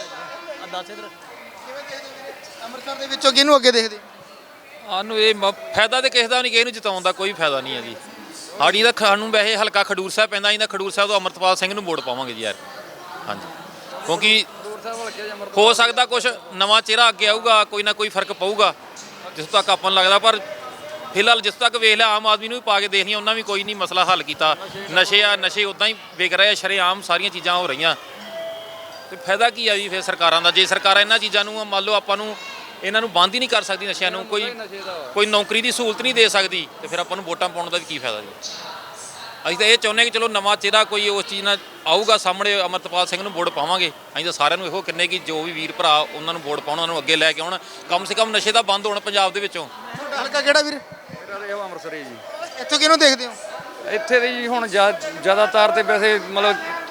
Speaker 1: ਅੰਮ੍ਰਿਤਸਰ ਦੇ ਵਿੱਚੋਂ ਕਿਹਨੂੰ ਅੱਗੇ ਦੇਖਦੇ?
Speaker 6: ਸਾਨੂੰ ਇਹ ਫਾਇਦਾ ਤੇ ਕਿਸੇ ਦਾ ਨਹੀਂ, ਕਿਸੇ ਨੂੰ ਜਿਤਾਉਣ ਦਾ ਕੋਈ ਫਾਇਦਾ ਨਹੀਂ ਹੈ ਜੀ। ਸਾਡੀ ਤਾਂ ਸਾਨੂੰ ਵੈਸੇ ਹਲਕਾ ਖਡੂਰ ਸਾਹਿਬ ਪੈਂਦਾ, ਅਸੀਂ ਤਾਂ ਖਡੂਰ ਸਾਹਿਬ ਤੋਂ ਅੰਮ੍ਰਿਤਪਾਲ ਸਿੰਘ ਨੂੰ ਵੋਟ ਪਾਵਾਂਗੇ ਜੀ ਯਾਰ। ਹਾਂਜੀ, ਕਿਉਂਕਿ ਹੋ ਸਕਦਾ ਕੁਝ ਨਵਾਂ ਚਿਹਰਾ ਅੱਗੇ ਆਊਗਾ, ਕੋਈ ਨਾ ਕੋਈ ਫਰਕ ਪਊਗਾ ਜਿਸ ਤੱਕ ਆਪਾਂ ਨੂੰ ਲੱਗਦਾ। ਪਰ ਫਿਲਹਾਲ ਜਿਸ ਤੱਕ ਵੇਖ ਲਿਆ, ਆਮ ਆਦਮੀ ਨੂੰ ਵੀ ਪਾ ਕੇ ਦੇਖ ਲਿਆ, ਉਹਨਾਂ ਵੀ ਕੋਈ ਨਹੀਂ ਮਸਲਾ ਹੱਲ ਕੀਤਾ। ਨਸ਼ੇ ਉੱਦਾਂ ਹੀ ਵਿਕ ਰਹੇ ਆ ਸ਼ਰੇਆਮ, ਸਾਰੀਆਂ ਚੀਜ਼ਾਂ ਹੋ ਰਹੀਆਂ। ਤੇ ਫਾਇਦਾ ਕੀ ਆ ਜੀ ਫਿਰ ਸਰਕਾਰਾਂ ਦਾ? ਜੇ ਸਰਕਾਰਾਂ ਇਹਨਾਂ ਚੀਜ਼ਾਂ ਨੂੰ ਮੰਨ ਲਓ ਆਪਾਂ ਨੂੰ ਇਹਨਾਂ ਨੂੰ ਬੰਦ ਹੀ ਨਹੀਂ ਕਰ ਸਕਦੀ, ਨਸ਼ਿਆਂ ਨੂੰ ਕੋਈ ਨੌਕਰੀ ਦੀ ਸਹੂਲਤ ਨਹੀਂ ਦੇ ਸਕਦੀ, ਤੇ ਫਿਰ ਆਪਾਂ ਨੂੰ ਵੋਟਾਂ ਪਾਉਣ ਦਾ ਵੀ ਕੀ ਫਾਇਦਾ ਜੀ? ਅਸੀਂ ਤਾਂ ਇਹ ਚਾਹੁੰਦੇ ਕਿ ਚਲੋ ਨਵਾਂ ਚਿਹਰਾ ਕੋਈ ਉਸ ਚੀਜ਼ ਨਾਲ ਆਊਗਾ ਸਾਹਮਣੇ, ਅੰਮ੍ਰਿਤਪਾਲ ਸਿੰਘ ਨੂੰ ਵੋਟ ਪਾਵਾਂਗੇ। ਅਸੀਂ ਤਾਂ ਸਾਰਿਆਂ ਨੂੰ ਇਹੋ ਕਹਿੰਦੇ ਕਿ ਜੋ ਵੀ ਵੀਰ ਭਰਾ ਉਹਨਾਂ ਨੂੰ ਵੋਟ ਪਾਉਣ, ਉਹਨਾਂ ਨੂੰ ਅੱਗੇ ਲੈ ਕੇ ਆਉਣ। ਕਮ ਸੇ ਕਮ ਨਸ਼ੇ ਦਾ ਬੰਦ ਹੋਣ ਪੰਜਾਬ ਦੇ ਵਿੱਚੋਂ।
Speaker 1: ਹਲਕਾ ਕਿਹੜਾ ਵੀਰ?
Speaker 7: ਮੇਰਾ ਇਹ ਅੰਮ੍ਰਿਤਸਰ ਜੀ।
Speaker 1: ਇੱਥੋਂ ਕਿਹਨੂੰ ਦੇਖਦੇ ਹੋ?
Speaker 7: ਇੱਥੇ ਦੇ ਜੀ ਹੁਣ ਜ਼ਿਆਦਾਤਰ ਤੇ ਵੈਸੇ ਮਤਲਬ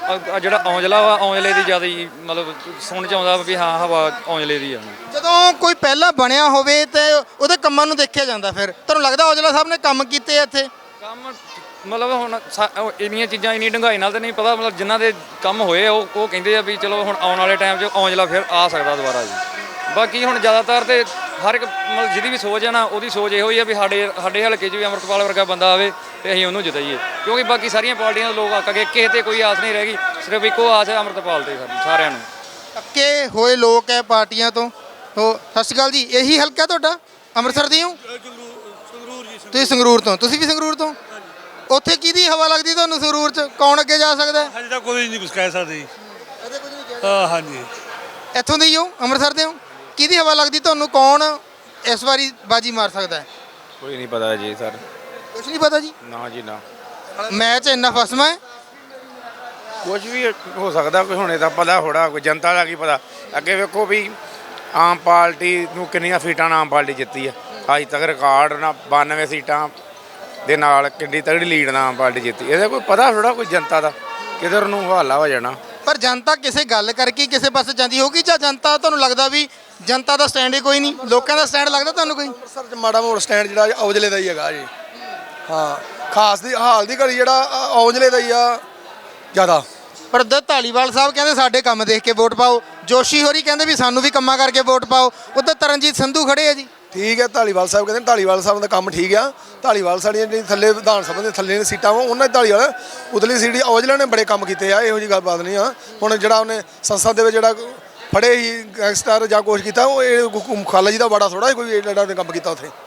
Speaker 7: ਜਿਹੜਾ ਔਂਜਲਾ ਵਾ ਔਂਜਲੇ ਦੀ ਜ਼ਿਆਦਾ ਹੀ ਮਤਲਬ ਸੁਣ ਚ ਆਉਂਦਾ ਵੀ ਹਾਂ ਹਵਾ ਔਂਜਲੇ ਦੀ ਆ।
Speaker 1: ਜਦੋਂ ਕੋਈ ਪਹਿਲਾਂ ਬਣਿਆ ਹੋਵੇ ਤੇ ਉਹਦੇ ਕੰਮਾਂ ਨੂੰ ਦੇਖਿਆ ਜਾਂਦਾ, ਫਿਰ ਤੁਹਾਨੂੰ ਲੱਗਦਾ ਔਜਲਾ ਸਾਹਿਬ ਨੇ ਕੰਮ ਕੀਤੇ ਆ ਇੱਥੇ?
Speaker 7: ਕੰਮ ਮਤਲਬ ਹੁਣ ਇੰਨੀਆਂ ਚੀਜ਼ਾਂ ਇੰਨੀ ਡੂੰਘਾਈ ਨਾਲ ਤਾਂ ਨਹੀਂ ਪਤਾ, ਮਤਲਬ ਜਿਨ੍ਹਾਂ ਦੇ ਕੰਮ ਹੋਏ ਆ ਉਹ ਕਹਿੰਦੇ ਆ ਵੀ ਚਲੋ ਹੁਣ ਆਉਣ ਵਾਲੇ ਟਾਈਮ 'ਚ ਔਂਜਲਾ ਫਿਰ ਆ ਸਕਦਾ ਦੁਬਾਰਾ ਜੀ। ਬਾਕੀ ਹੁਣ ਜ਼ਿਆਦਾਤਰ ਤੇ ਹਰ ਇੱਕ ਮਤਲਬ ਜਿਹਦੀ ਵੀ ਸੋਚ ਹੈ ਨਾ ਉਹਦੀ ਸੋਚ ਇਹੋ ਹੀ ਆ ਵੀ ਸਾਡੇ ਹਲਕੇ 'ਚ ਵੀ ਅੰਮ੍ਰਿਤਪਾਲ ਵਰਗਾ ਬੰਦਾ ਆਵੇ ਤੇ ਅਸੀਂ ਉਹਨੂੰ ਜਿਤਾਈਏ, ਕਿਉਂਕਿ ਬਾਕੀ ਸਾਰੀਆਂ ਪਾਰਟੀਆਂ ਦੇ ਲੋਕ ਆਕ ਗਏ, ਕਿਸੇ ਤੇ ਕੋਈ ਆਸ ਨਹੀਂ ਰਹਿ ਗਈ, ਸਿਰਫ ਇੱਕੋ ਆਸ ਹੈ ਅੰਮ੍ਰਿਤਪਾਲ ਤੇ ਸਾਰਿਆਂ ਨੂੰ।
Speaker 1: ਅੱਕੇ ਹੋਏ ਲੋਕ ਹੈ ਪਾਰਟੀਆਂ ਤੋਂ। ਸਤਿ ਸ਼੍ਰੀ ਅਕਾਲ ਜੀ, ਇਹੀ ਹਲਕਾ ਤੁਹਾਡਾ? ਅੰਮ੍ਰਿਤਸਰ ਦੀ ਹੋ ਤੁਸੀਂ? ਸੰਗਰੂਰ ਤੋਂ? ਤੁਸੀਂ ਵੀ ਸੰਗਰੂਰ ਤੋਂ? ਉੱਥੇ ਕਿਹਦੀ ਹਵਾ ਲੱਗਦੀ ਤੁਹਾਨੂੰ ਸੰਗਰੂਰ 'ਚ? ਕੌਣ ਅੱਗੇ ਜਾ ਸਕਦਾ?
Speaker 11: ਹਜੇ ਤਾਂ ਕੋਈ ਨਹੀਂ ਕੁਝ ਕਹਿ ਸਕਦੇ। ਹਾਂ ਹਾਂਜੀ,
Speaker 1: ਇੱਥੋਂ ਦੇ ਹੀ ਹੋ, ਅੰਮ੍ਰਿਤਸਰ ਦੇ ਹੋ? ਕਿਹਦੀ ਹਵਾ ਲੱਗਦੀ ਤੁਹਾਨੂੰ, ਕੌਣ ਇਸ ਵਾਰੀ ਬਾਜੀ ਮਾਰ ਸਕਦਾ ਹੈ?
Speaker 12: ਕੋਈ ਨਹੀਂ ਪਤਾ ਜੀ ਸਰ।
Speaker 1: ਕੁਝ ਨਹੀਂ ਪਤਾ ਜੀ?
Speaker 12: ਨਾ ਜੀ ਨਾ।
Speaker 1: ਮੈਚ ਇੰਨਾ ਫਸਮਾ ਹੈ,
Speaker 12: ਕੁਝ ਵੀ ਹੋ ਸਕਦਾ, ਕੋਈ ਹੁਣੇ ਦਾ ਪਤਾ ਥੋੜਾ, ਕੋਈ ਜਨਤਾ ਦਾ ਕੀ ਪਤਾ। ਅੱਗੇ ਵੇਖੋ ਵੀ ਆਮ ਪਾਰਟੀ ਨੂੰ ਕਿੰਨੀਆਂ ਸੀਟਾਂ ਨਾਲ ਆਮ ਪਾਰਟੀ ਜਿੱਤੀ ਆ ਅੱਜ ਤੱਕ, ਰਿਕਾਰਡ ਨਾ 92 ਸੀਟਾਂ ਦੇ ਨਾਲ ਕਿੰਨੀ ਤਗੜੀ ਲੀਡ ਨਾਲ ਆਮ ਪਾਰਟੀ ਜਿੱਤੀ। ਇਹਦਾ ਕੋਈ ਪਤਾ ਥੋੜਾ ਕੋਈ ਜਨਤਾ ਦਾ ਕਿਧਰ ਨੂੰ ਹਵਾਲਾ ਹੋ ਜਾਣਾ।
Speaker 1: ਪਰ ਜਨਤਾ ਕਿਸੇ ਗੱਲ ਕਰਕੇ ਕਿਸੇ ਪਾਸੇ ਜਾਂਦੀ ਹੋਊਗੀ, ਜਾਂ ਜਨਤਾ ਤੁਹਾਨੂੰ ਲੱਗਦਾ ਵੀ ਜਨਤਾ ਦਾ ਸਟੈਂਡ ਹੀ ਕੋਈ ਨਹੀਂ, ਲੋਕਾਂ ਦਾ ਸਟੈਂਡ ਲੱਗਦਾ ਤੁਹਾਨੂੰ ਕੋਈ?
Speaker 4: ਅੰਮ੍ਰਿਤਸਰ 'ਚ ਮਾੜਾ ਮੋੜ ਸਟੈਂਡ ਜਿਹੜਾ ਔਜਲੇ ਦਾ ਹੀ ਹੈਗਾ ਜੀ। ਹਾਂ, ਖਾਸ ਦੀ ਹਾਲ ਦੀ ਘੜੀ ਜਿਹੜਾ ਔਜਲੇ ਦਾ ਹੀ ਆ ਜ਼ਿਆਦਾ।
Speaker 1: ਪਰ ਉੱਧਰ ਧਾਲੀਵਾਲ ਸਾਹਿਬ ਕਹਿੰਦੇ ਸਾਡੇ ਕੰਮ ਦੇਖ ਕੇ ਵੋਟ ਪਾਓ, ਜੋਸ਼ੀ ਹੋਰੀ ਕਹਿੰਦੇ ਵੀ ਸਾਨੂੰ ਵੀ ਕੰਮਾਂ ਕਰਕੇ ਵੋਟ ਪਾਓ, ਉੱਧਰ ਤਰਨਜੀਤ ਸੰਧੂ ਖੜੇ ਆ ਜੀ।
Speaker 4: ਠੀਕ ਹੈ, ਧਾਲੀਵਾਲ ਸਾਹਿਬ ਕਹਿੰਦੇ ਧਾਲੀਵਾਲ ਸਾਹਿਬ ਦਾ ਕੰਮ ਠੀਕ ਆ। ਧਾਲੀਵਾਲ ਸਾਡੀਆਂ ਜਿਹੜੀ ਥੱਲੇ ਵਿਧਾਨ ਸਭਾ ਦੇ ਥੱਲੇ ਸੀਟਾਂ ਵਾ ਉਹਨਾਂ ਦੀ ਧਾਲੀਵਾਲ, ਉਤਲੀ ਸੀਟ ਔਜਲਾ ਨੇ ਬੜੇ ਕੰਮ ਕੀਤੇ ਆ, ਇਹੋ ਜਿਹੀ ਗੱਲਬਾਤ ਨਹੀਂ ਆ। ਹੁਣ ਜਿਹੜਾ ਉਹਨੇ ਸੰਸਦ ਦੇ ਵਿੱਚ ਜਿਹੜਾ ਫੜੇ ਹੀ ਗੈਂਗਸਟਰ ਜਾਂ ਕੁਛ ਕੀਤਾ, ਉਹ ਇਹ ਖਾਲਾ ਜੀ ਦਾ ਬੜਾ ਥੋੜਾ ਕੋਈ ਜਿਹੜਾ ਉਹਨੇ ਕੰਮ ਕੀਤਾ ਉੱਥੇ।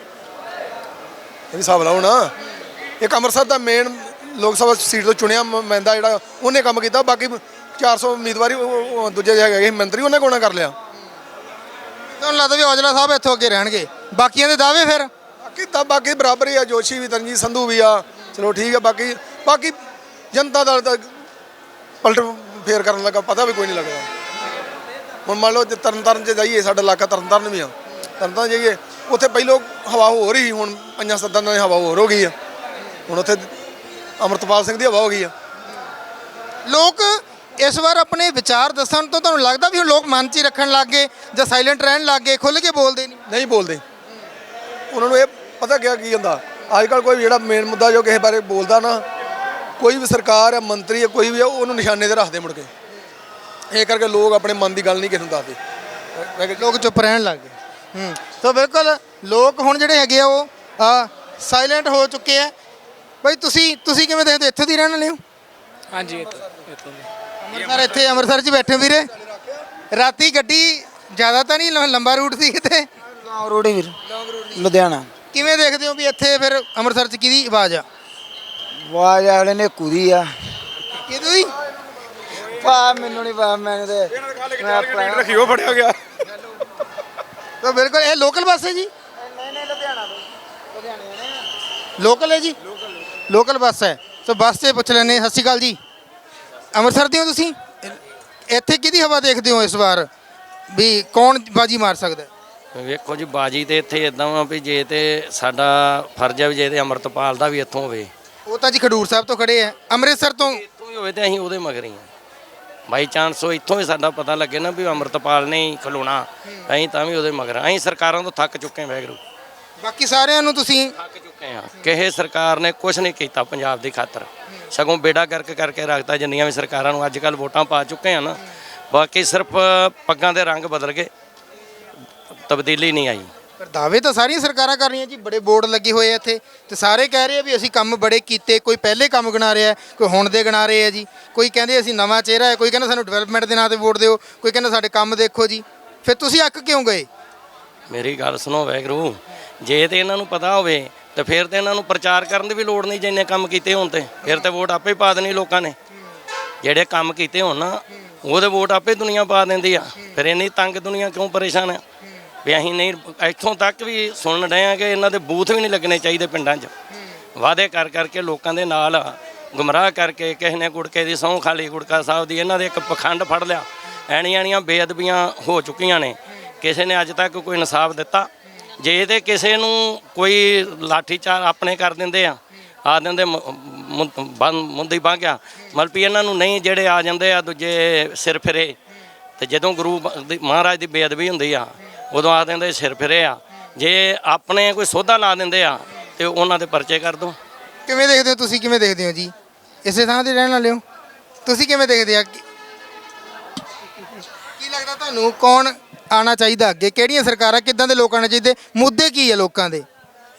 Speaker 4: ਇਹ ਵੀ ਹਿਸਾਬ ਲਾਓ ਨਾ, ਇੱਕ ਅੰਮ੍ਰਿਤਸਰ ਦਾ ਮੇਨ ਲੋਕ ਸਭਾ ਸੀਟ ਤੋਂ ਚੁਣਿਆ ਨੁਮਾਇੰਦਾ ਜਿਹੜਾ ਉਹਨੇ ਕੰਮ ਕੀਤਾ, ਬਾਕੀ 400 ਉਮੀਦਵਾਰੀ ਦੂਜੇ ਹੈਗੇ ਮੰਤਰੀ ਉਹਨੇ ਕੋਣਾ ਕਰ ਲਿਆ।
Speaker 1: ਤੁਹਾਨੂੰ ਲੱਗਦਾ ਵੀ ਔਜਲਾ ਸਾਹਿਬ ਇੱਥੋਂ ਅੱਗੇ ਰਹਿਣਗੇ? ਬਾਕੀਆਂ ਦੇ ਦਾਅਵੇ ਫਿਰ?
Speaker 4: ਬਾਕੀ ਬਰਾਬਰ ਹੀ ਆ, ਜੋਸ਼ੀ ਵੀ ਤਰਨਜੀਤ ਸੰਧੂ ਵੀ ਆ, ਚਲੋ ਠੀਕ ਆ। ਬਾਕੀ ਜਨਤਾ ਦਾ ਪਲਟ ਫੇਰ ਕਰਨ ਲੱਗਾ ਪਤਾ ਵੀ ਕੋਈ ਨਹੀਂ ਲੱਗਦਾ। ਹੁਣ ਮੰਨ ਲਓ ਜੇ ਤਰਨਤਾਰਨ 'ਚ ਜਾਈਏ, ਸਾਡਾ ਇਲਾਕਾ ਤਰਨਤਾਰਨ ਵੀ ਆ, ਤਰਨਤਾਰਨ ਜਾਈਏ ਉੱਥੇ ਪਹਿਲੋਂ ਹਵਾ ਹੋ ਰਹੀ, ਹੁਣ 5-7 ਦਿਨਾਂ ਦੀ ਹਵਾ ਹੋਰ ਹੋ ਗਈ ਆ। ਹੁਣ ਉੱਥੇ ਅੰਮ੍ਰਿਤਪਾਲ ਸਿੰਘ ਦੀ ਹਵਾ ਹੋ ਗਈ ਆ।
Speaker 1: ਲੋਕ ਇਸ ਵਾਰ ਆਪਣੇ ਵਿਚਾਰ ਦੱਸਣ ਤੋਂ ਤੁਹਾਨੂੰ ਲੱਗਦਾ ਵੀ ਹੁਣ ਲੋਕ ਮਨ 'ਚ ਹੀ ਰੱਖਣ ਲੱਗ ਗਏ, ਜਾਂ ਸਾਇਲੈਂਟ ਰਹਿਣ ਲੱਗ ਗਏ, ਖੁੱਲ੍ਹ ਕੇ ਬੋਲਦੇ ਨਹੀਂ
Speaker 4: ਬੋਲਦੇ? ਉਹਨਾਂ ਨੂੰ ਇਹ ਪਤਾ ਕੀ ਹੁੰਦਾ, ਅੱਜ ਕੱਲ੍ਹ ਕੋਈ ਜਿਹੜਾ ਮੇਨ ਮੁੱਦਾ ਜੋ ਕਿਸੇ ਬਾਰੇ ਬੋਲਦਾ ਨਾ, ਕੋਈ ਵੀ ਸਰਕਾਰ ਹੈ, ਮੰਤਰੀ ਹੈ, ਕੋਈ ਵੀ ਹੈ, ਉਹਨੂੰ ਨਿਸ਼ਾਨੇ 'ਤੇ ਰੱਖਦੇ ਮੁੜ ਕੇ। ਇਹ ਕਰਕੇ ਲੋਕ ਆਪਣੇ ਮਨ ਦੀ ਗੱਲ ਨਹੀਂ ਕਿਸੇ ਨੂੰ ਦੱਸਦੇ,
Speaker 1: ਲੋਕ ਚੁੱਪ ਰਹਿਣ ਲੱਗ ਗਏ। ਤਾਂ ਬਿਲਕੁਲ ਲੋਕ ਹੁਣ ਜਿਹੜੇ ਹੈਗੇ ਆ ਉਹ ਸਾਇਲੈਂਟ ਹੋ ਚੁੱਕੇ ਆ। ਬਾਈ ਤੁਸੀਂ ਕਿਵੇਂ ਦੇਖਦੇ, ਇੱਥੋਂ ਦੀ ਰਹਿਣ ਵਾਲੇ ਹੋ?
Speaker 13: ਹਾਂਜੀ,
Speaker 1: ਅੰਮ੍ਰਿਤਸਰ, ਇੱਥੇ ਅੰਮ੍ਰਿਤਸਰ 'ਚ ਬੈਠੇ ਵੀਰੇ? ਰਾਤੀ ਗੱਡੀ ਜ਼ਿਆਦਾ ਤਾਂ ਨਹੀਂ ਲੰਬਾ ਰੂਟ ਸੀ ਕਿਤੇ?
Speaker 13: ਲੌਂਗ ਰੂਟ ਹੀ ਵੀਰ, ਲੁਧਿਆਣਾ।
Speaker 1: ਕਿਵੇਂ ਦੇਖਦੇ ਹੋ ਵੀ ਇੱਥੇ ਫਿਰ ਅੰਮ੍ਰਿਤਸਰ 'ਚ ਕਿਹਦੀ ਆਵਾਜ਼ ਆ?
Speaker 13: ਆਵਾਜ਼ ਵਾਲੇ ਨੇ ਕੁਦੀ ਆ
Speaker 1: ਕਿਹਦੀ ਹੋਈ?
Speaker 13: ਮੈਨੂੰ ਨਹੀਂ ਪਤਾ, ਮੈਨੂੰ ਤੇ
Speaker 12: ਰੱਖਿਓ ਫੜਿਆ ਗਿਆ।
Speaker 1: ਤਾਂ ਬਿਲਕੁਲ ਇਹ ਲੋਕਲ ਬੱਸ ਹੈ ਜੀ?
Speaker 13: ਨਹੀਂ ਲੁਧਿਆਣਾ ਤੋਂ, ਲੁਧਿਆਣੇ
Speaker 1: ਲੋਕਲ ਹੈ ਜੀ, ਲੋਕਲ ਬੱਸ ਹੈ। ਤਾਂ ਬੱਸ 'ਤੇ ਪੁੱਛ ਲੈਂਦੇ। ਸਤਿ ਸ਼੍ਰੀ ਅਕਾਲ ਜੀ, ਅੰਮ੍ਰਿਤਸਰ ਦੇ ਹੋ ਤੁਸੀਂ? ਇੱਥੇ ਕਿਹਦੀ ਹਵਾ ਦੇਖਦੇ ਹੋ ਇਸ ਵਾਰ, ਵੀ ਕੌਣ ਬਾਜੀ ਮਾਰ ਸਕਦਾ?
Speaker 8: ਵੇਖੋ ਜੀ, ਬਾਜੀ ਤੇ ਇੱਥੇ ਇਦਾਂ ਵਾ ਵੀ ਜੇ ਤੇ ਸਾਡਾ ਫਰਜ਼ ਹੈ ਵੀ ਜੇ ਤੇ ਅੰਮ੍ਰਿਤਪਾਲ ਦਾ ਵੀ ਇੱਥੋਂ ਹੋਵੇ।
Speaker 1: ਉਹ ਤਾਂ ਜੀ ਖਡੂਰ ਸਾਹਿਬ ਤੋਂ ਖੜੇ ਆ, ਅੰਮ੍ਰਿਤਸਰ ਤੋਂ
Speaker 8: ਇੱਥੋਂ ਹੀ ਹੋਵੇ ਤੇ ਅਸੀਂ ਉਹਦੇ ਮਗਰ ਹੀ ਹਾਂ। ਬਾਈ ਚਾਂਸ ਉਹ ਇੱਥੋਂ ਹੀ ਸਾਡਾ ਪਤਾ ਲੱਗੇ ਨਾ ਵੀ ਅੰਮ੍ਰਿਤਪਾਲ ਨੇ ਹੀ ਖਲੋਣਾ, ਅਸੀਂ ਤਾਂ ਵੀ ਉਹਦੇ ਮਗਰ। ਅਸੀਂ ਸਰਕਾਰਾਂ ਤੋਂ ਥੱਕ ਚੁੱਕੇ ਹਾਂ, ਵਾਹਿਗੁਰੂ।
Speaker 1: ਬਾਕੀ ਸਾਰਿਆਂ ਨੂੰ ਤੁਸੀਂ
Speaker 8: ਥੱਕ ਚੁੱਕੇ ਹਾਂ, ਕਿਸੇ ਸਰਕਾਰ ਨੇ ਕੁਝ ਨਹੀਂ ਕੀਤਾ ਪੰਜਾਬ ਦੀ ਖਾਤਰ, ਸਗੋਂ ਬੇੜਾ ਕਰਕੇ ਰੱਖਤਾ। ਜਿੰਨੀਆਂ ਵੀ ਸਰਕਾਰਾਂ ਨੂੰ ਅੱਜ ਕੱਲ੍ਹ ਵੋਟਾਂ ਪਾ ਚੁੱਕੇ ਆ ਨਾ, ਬਾਕੀ ਸਿਰਫ ਪੱਗਾਂ ਦੇ ਰੰਗ ਬਦਲ ਗਏ, ਤਬਦੀਲੀ ਨਹੀਂ ਆਈ।
Speaker 1: ਪਰ ਦਾਅਵੇ ਤਾਂ ਸਾਰੀਆਂ ਸਰਕਾਰਾਂ ਕਰ ਰਹੀਆਂ ਜੀ, ਬੜੇ ਬੋਰਡ ਲੱਗੇ ਹੋਏ ਆ ਇੱਥੇ, ਤੇ ਸਾਰੇ ਕਹਿ ਰਹੇ ਆ ਵੀ ਅਸੀਂ ਕੰਮ ਬੜੇ ਕੀਤੇ। ਕੋਈ ਪਹਿਲੇ ਕੰਮ ਗਿਣਾ ਰਿਹਾ, ਕੋਈ ਹੁਣ ਦੇ ਗਿਣਾ ਰਹੇ ਆ ਜੀ। ਕੋਈ ਕਹਿੰਦੇ ਅਸੀਂ ਨਵਾਂ ਚਿਹਰਾ ਹੈ, ਕੋਈ ਕਹਿੰਦਾ ਸਾਨੂੰ ਡਿਵੈਲਪਮੈਂਟ ਦੇ ਨਾਂ ਤੇ ਵੋਟ ਦਿਓ, ਕੋਈ ਕਹਿੰਦਾ ਸਾਡੇ ਕੰਮ ਦੇਖੋ ਜੀ। ਫਿਰ ਤੁਸੀਂ ਅੱਕ ਕਿਉਂ ਗਏ?
Speaker 8: ਮੇਰੀ ਗੱਲ ਸੁਣੋ ਵਾਹਿਗੁਰੂ, ਜੇ ਤੇ ਇਹਨਾਂ ਨੂੰ ਪਤਾ ਹੋਵੇ ਤੇ ਫਿਰ ਤੇ ਇਹਨਾਂ ਨੂੰ ਪ੍ਰਚਾਰ ਕਰਨ ਦੀ ਵੀ ਲੋੜ ਨਹੀਂ। ਜਿੰਨੇ ਕੰਮ ਕੀਤੇ ਹੋਣ ਤੇ ਫਿਰ ਤੇ ਵੋਟ ਆਪੇ ਪਾ ਦੇਣੀ ਲੋਕਾਂ ਨੇ। ਜਿਹੜੇ ਕੰਮ ਕੀਤੇ ਹੋਣ ਨਾ, ਉਹਦੇ ਵੋਟ ਆਪੇ ਦੁਨੀਆ ਪਾ ਦਿੰਦੀ ਆ। ਫਿਰ ਇੰਨੀ ਤੰਗ ਦੁਨੀਆ ਕਿਉਂ ਪਰੇਸ਼ਾਨ ਹੈ ਵੀ ਅਸੀਂ ਨਹੀਂ? ਇੱਥੋਂ ਤੱਕ ਵੀ ਸੁਣ ਰਹੇ ਹਾਂ ਕਿ ਇਹਨਾਂ ਦੇ ਬੂਥ ਵੀ ਨਹੀਂ ਲੱਗਣੇ ਚਾਹੀਦੇ ਪਿੰਡਾਂ 'ਚ। ਵਾਅਦੇ ਕਰਕੇ ਲੋਕਾਂ ਦੇ ਨਾਲ ਗੁੰਮਰਾਹ ਕਰਕੇ, ਕਿਸੇ ਨੇ ਗੁੜਕੇ ਦੀ ਸਹੁੰ ਖਾ ਲਈ ਗੁੜਕਾ ਸਾਹਿਬ ਦੀ, ਇਹਨਾਂ ਦੇ ਇੱਕ ਪਖੰਡ ਫੜ ਲਿਆ। ਐਣੀਆਂ ਬੇਅਦਬੀਆਂ ਹੋ ਚੁੱਕੀਆਂ ਨੇ, ਕਿਸੇ ਨੇ ਅੱਜ ਤੱਕ ਕੋਈ ਇਨਸਾਫ ਦਿੱਤਾ? ਜੇ ਤੇ ਕਿਸੇ ਨੂੰ ਕੋਈ ਲਾਠੀ ਚਾਰ ਆਪਣੇ ਕਰ ਦਿੰਦੇ ਆ, ਆ ਦਿੰਦੇ ਮੁੰਦੀ ਬਾਂਹ ਗਿਆ, ਮਤਲਬ ਵੀ ਇਹਨਾਂ ਨੂੰ ਨਹੀਂ, ਜਿਹੜੇ ਆ ਜਾਂਦੇ ਆ ਦੂਜੇ ਸਿਰ ਫਿਰੇ, ਤੇ ਜਦੋਂ ਗੁਰੂ ਮਹਾਰਾਜ ਦੀ ਬੇਅਦਬੀ ਹੁੰਦੀ ਆ ਉਦੋਂ ਆ ਦਿੰਦੇ ਸਿਰ ਫਿਰੇ ਆ। ਜੇ ਆਪਣੇ ਕੋਈ ਸੋਧਾ ਲਾ ਦਿੰਦੇ ਆ ਤੇ ਉਹਨਾਂ ਦੇ ਪਰਚੇ ਕਰ ਦੋ।
Speaker 1: ਕਿਵੇਂ ਦੇਖਦੇ ਹੋ ਤੁਸੀਂ, ਕਿਵੇਂ ਦੇਖਦੇ ਹੋ ਜੀ? ਇਸੇ ਥਾਂ ਤੇ ਰਹਿਣ ਵਾਲੇ ਹੋ ਤੁਸੀਂ, ਕਿਵੇਂ ਦੇਖਦੇ ਆ? ਕੀ ਲੱਗਦਾ ਤੁਹਾਨੂੰ ਕੌਣ ਆਉਣਾ ਚਾਹੀਦਾ ਅੱਗੇ? ਕਿਹੜੀਆਂ ਸਰਕਾਰਾਂ, ਕਿੱਦਾਂ ਦੇ ਲੋਕ ਆਉਣੇ ਚਾਹੀਦੇ? ਮੁੱਦੇ ਕੀ ਆ ਲੋਕਾਂ ਦੇ?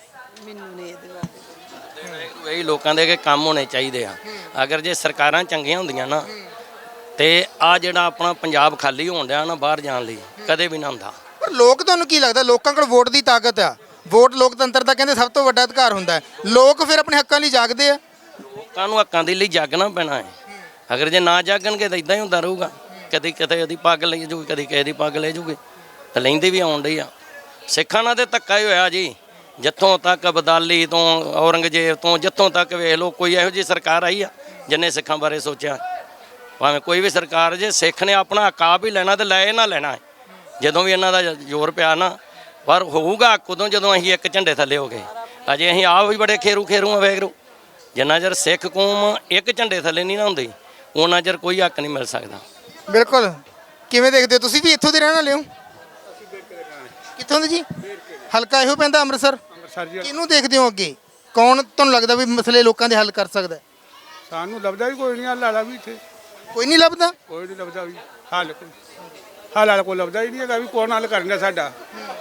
Speaker 8: ਇਹੀ ਲੋਕਾਂ ਦੇ ਕਿ ਕੰਮ ਹੋਣੇ ਚਾਹੀਦੇ ਆ। ਅਗਰ ਜੇ ਸਰਕਾਰਾਂ ਚੰਗੀਆਂ ਹੁੰਦੀਆਂ ਨਾ ਤੇ ਆ ਜਿਹੜਾ ਆਪਣਾ ਪੰਜਾਬ ਖਾਲੀ ਹੋਣ ਡਿਆ ਨਾ ਬਾਹਰ ਜਾਣ ਲਈ ਕਦੇ ਵੀ ਨਾ ਹੁੰਦਾ।
Speaker 1: ਪਰ ਲੋਕ, ਤੁਹਾਨੂੰ ਕੀ ਲੱਗਦਾ ਲੋਕਾਂ ਕੋਲ ਵੋਟ ਦੀ ਤਾਕਤ ਆ? ਵੋਟ ਲੋਕਤੰਤਰ ਦਾ ਕਹਿੰਦੇ ਸਭ ਤੋਂ ਵੱਡਾ ਅਧਿਕਾਰ ਹੁੰਦਾ ਹੈ। ਲੋਕ ਫਿਰ ਆਪਣੇ ਹੱਕਾਂ ਲਈ ਜਾਗਦੇ ਆ।
Speaker 8: ਲੋਕਾਂ ਨੂੰ ਹੱਕਾਂ ਦੇ ਲਈ ਜਾਗਣਾ ਪੈਣਾ ਹੈ। ਅਗਰ ਜੇ ਨਾ ਜਾਗਣਗੇ ਤਾਂ ਇਦਾਂ ਹੀ ਹੁੰਦਾ ਰਹੂਗਾ। ਕਦੀ ਕਿਤੇ ਉਹਦੀ ਪੱਗ ਲੈ ਜੂਗੀ, ਕਦੀ ਕਿਸੇ ਦੀ ਪੱਗ ਲੈ ਜੂਗੀ, ਤਾਂ ਲੈਂਦੇ ਵੀ ਆਉਣ ਡਈ ਆ। ਸਿੱਖਾਂ ਨਾਲ ਤੇ ਧੱਕਾ ਹੀ ਹੋਇਆ ਜੀ। ਜਿੱਥੋਂ ਤੱਕ ਅਬਦਾਲੀ ਤੋਂ ਔਰੰਗਜ਼ੇਬ ਤੋਂ ਜਿੱਥੋਂ ਤੱਕ ਵੇਖ ਲਓ, ਕੋਈ ਇਹੋ ਜਿਹੀ ਸਰਕਾਰ ਆਈ ਆ ਜਿਹਨੇ ਸਿੱਖਾਂ ਬਾਰੇ ਸੋਚਿਆ? ਭਾਵੇਂ ਕੋਈ ਵੀ ਸਰਕਾਰ, ਜੇ ਸਿੱਖ ਨੇ ਆਪਣਾ ਹੱਕ ਆਪ ਹੀ ਲੈਣਾ ਤੇ ਲੈ ਨਾ ਲੈਣਾ ਹੈ। ਜਦੋਂ ਵੀ ਇਹਨਾਂ ਦਾ ਜ਼ੋਰ ਪਿਆ ਨਾ, ਪਰ ਹੋਊਗਾ ਉਦੋਂ ਜਦੋਂ ਅਸੀਂ ਇੱਕ ਝੰਡੇ ਥੱਲੇ ਹੋ ਗਏ। ਅਜੇ ਅਸੀਂ ਆਪ ਵੀ ਬੜੇ ਖੇਰੂ ਆ ਵੇਖੋ। ਜਿੰਨਾ ਚਿਰ ਸਿੱਖ ਕੌਮ ਇੱਕ ਝੰਡੇ ਥੱਲੇ ਨਹੀਂ ਨਾ ਹੁੰਦੀ ਉਹਨਾਂ ਚਿਰ ਕੋਈ ਹੱਕ ਨਹੀਂ ਮਿਲ ਸਕਦਾ।
Speaker 1: ਬਿਲਕੁਲ। ਕਿਵੇਂ ਦੇਖਦੇ ਹੋ ਤੁਸੀਂ? ਵੀ ਇੱਥੋਂ ਦੇ ਰਹਿਣ ਵਾਲੇ ਹੋ? ਕਿੱਥੋਂ ਦੇ ਜੀ? ਹਲਕਾ ਇਹੋ ਪੈਂਦਾ ਅੰਮ੍ਰਿਤਸਰ। ਕਿਹਨੂੰ ਦੇਖਦੇ ਹੋ ਅੱਗੇ? ਕੌਣ ਤੁਹਾਨੂੰ ਲੱਗਦਾ ਵੀ ਮਸਲੇ ਲੋਕਾਂ ਦੇ ਹੱਲ ਕਰ ਸਕਦਾ?
Speaker 14: ਸਾਨੂੰ ਲੱਭਦਾ ਵੀ ਕੋਈ ਨਹੀਂ। ਹੱਲ ਵਾਲਾ ਵੀ ਇੱਥੇ
Speaker 1: ਕੋਈ ਨਹੀਂ ਲੱਭਦਾ।
Speaker 14: ਕੋਈ ਨਹੀਂ ਲੱਭਦਾ ਵੀ ਹੱਲ ਵਾਲਾ ਕੋਈ ਲੱਭਦਾ ਹੀ ਨਹੀਂ ਹੈਗਾ ਵੀ ਕੌਣ ਹੱਲ ਕਰਨਾ ਸਾਡਾ।